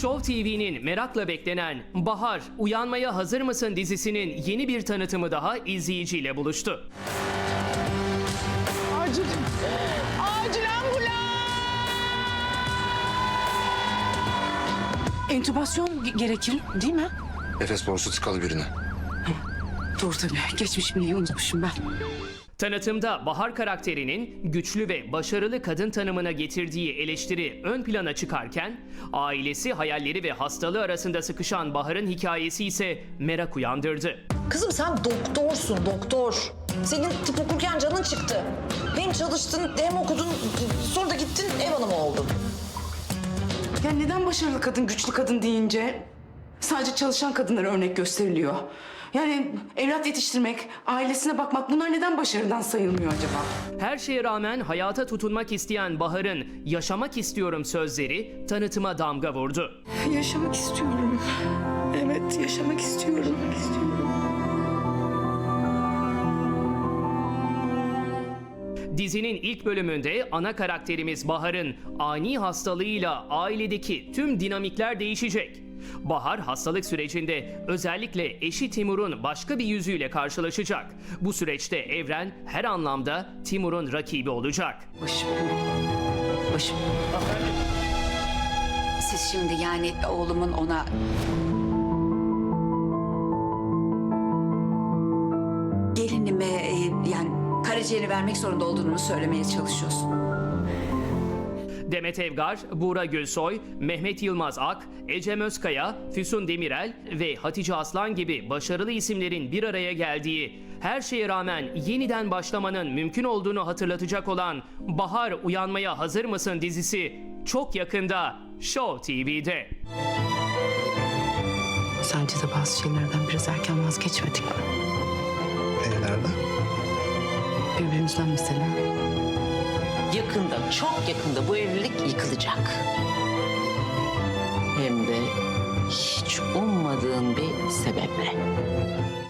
Show TV'nin merakla beklenen Bahar Uyanmaya Hazır Mısın dizisinin yeni bir tanıtımı daha izleyiciyle buluştu. Acil, acil ambulans! Entübasyon gerekir değil mi? Nefes borusu tıkalı birine. Doğru tabii. Geçmiş bilgiyi unutmuşum ben. Tanıtımda Bahar karakterinin güçlü ve başarılı kadın tanımına getirdiği eleştiri ön plana çıkarken, ailesi, hayalleri ve hastalığı arasında sıkışan Bahar'ın hikayesi ise merak uyandırdı. Kızım sen doktorsun, doktor. Senin tıp okurken canın çıktı. Hem çalıştın hem okudun, sonra da gittin ev hanımı oldun. Ya neden başarılı kadın, güçlü kadın deyince sadece çalışan kadınlara örnek gösteriliyor? Yani evlat yetiştirmek, ailesine bakmak bunlar neden başarıdan sayılmıyor acaba? Her şeye rağmen hayata tutunmak isteyen Bahar'ın "yaşamak istiyorum" sözleri tanıtıma damga vurdu. Yaşamak istiyorum. Evet, yaşamak istiyorum. Dizinin ilk bölümünde ana karakterimiz Bahar'ın ani hastalığıyla ailedeki tüm dinamikler değişecek. Bahar hastalık sürecinde özellikle eşi Timur'un başka bir yüzüyle karşılaşacak. Bu süreçte evren her anlamda Timur'un rakibi olacak. Başım. Siz şimdi yani oğlumun ona... Gelinime yani karaciğeri vermek zorunda olduğunu mu söylemeye çalışıyorsun? Demet Evgar, Buğra Gülsoy, Mehmet Yılmaz Ak, Ecem Özkaya, Füsun Demirel ve Hatice Aslan gibi başarılı isimlerin bir araya geldiği, her şeye rağmen yeniden başlamanın mümkün olduğunu hatırlatacak olan Bahar Uyanmaya Hazır Mısın dizisi çok yakında Show TV'de. Sence de bazı şeylerden biraz erken vazgeçmedik mi? Nerede? Birbirimizden mesela. Yakında, çok yakında bu evlilik yıkılacak. Hem de hiç ummadığın bir sebeple.